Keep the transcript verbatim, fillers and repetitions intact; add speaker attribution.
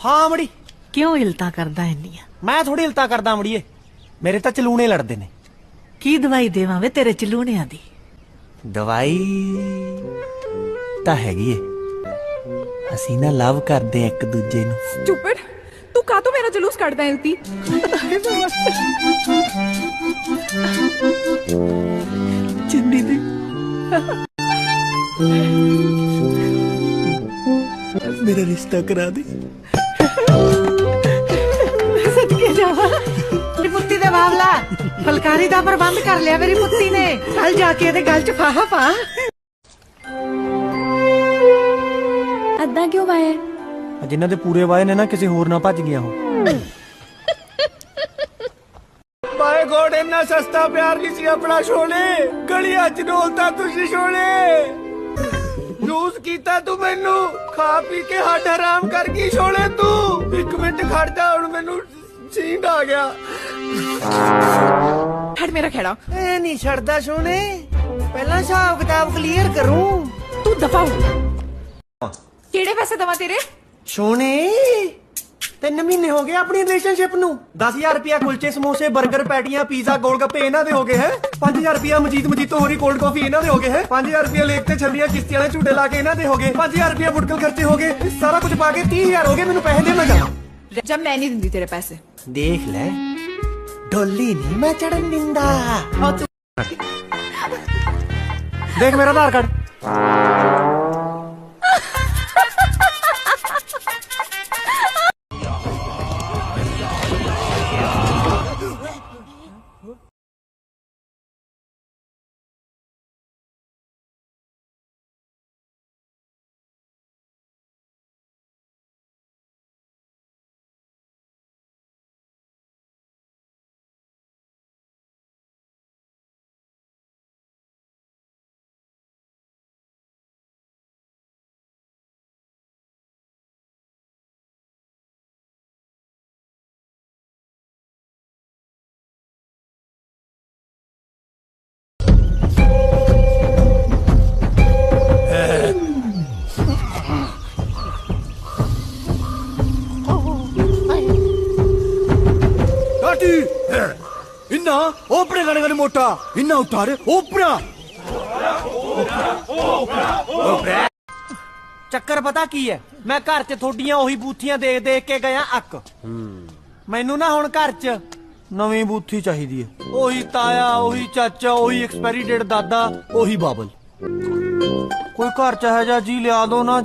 Speaker 1: हाँ मड़ी
Speaker 2: क्यों इल्ता करदा इन्नियां?
Speaker 1: मैं थोड़ी इल्ता करदा मड़िए, मेरे तो चलूने लड़ते ने।
Speaker 2: की दवाई देवां वे तेरे चलूणियां दी?
Speaker 1: दवाई तां हैगी है, असीं ना लव करदे एक दूजे नूं।
Speaker 3: स्टूपिड, तू का तो मेरा जलूस कटदा है इल्ती।
Speaker 2: चिंदी दी
Speaker 1: मेरा रिश्ता करा दे।
Speaker 2: सदके जावा मेरी पुत्ती दे बावला, फलकारी दा प्रबंध कर लिया मेरी पुत्ती ने। कल जाके ਇਹਦੇ गल च फाहा पा।
Speaker 3: अद्दा क्यों वाया?
Speaker 1: जिन्हां दे पूरे वाए ने ना किसी होर ना भज गया हो। माय गॉड, इन्ना सस्ता प्यार नहीं सी अपना शोले, गलियां च डोलता तुसी शोले। यूज कीता तू मैनू, खा पी के हट हराम कर गई शोले तू। एक मिनट खड़ जा, हुण मैनू सींग आ गया।
Speaker 3: हट मेरा खेड़ा।
Speaker 1: ए नहीं छड़दा सोने, पहला हिसाब किताब क्लियर करूं।
Speaker 3: तू दफा हो। केड़े पैसे दवा तेरे?
Speaker 1: सोने तीन महीने हो गए अपनी रिलेशनशिप नू। दस हजार रुपया कुलचे समोसे बर्गर पैटियां पीजा गोल गप्पे इन्हां दे हो गए है। पांच हजार रुपया मजीद मजीतो होरी कोल्ड कॉफी इन्हां दे हो गए है। पांच हजार रुपया लेक ते छलियां किश्ती वाले झूटे ला के इन्हां दे हो गए। पांच हजार रुपया बुटकल खर्चे हो गए। सारा कुछ पा के तीस हजार हो गए। मैनू पैसे दे मैं जा।
Speaker 3: जब मैं नहीं दिंदी तेरे पैसे।
Speaker 1: देख ले, डोली नहीं मैं चढ़न दिंदा।
Speaker 3: और तू
Speaker 1: देख मेरा आधार कार्ड। इन्ना ओपरे गाने गाने मोटा इन्ना उतारे ओपरा। चक्कर पता की है, मैं घर च थोड़ियां ओही बूथियां देख देख के गया अक। मैनू ना हुण घर च नवी बूथी चाहिदी है। ओही ताया, ओही चाचा, ओही एक्सपायरी डेट दादा, ओही बाबल। कोई घर च है जा जी लिया दो ना।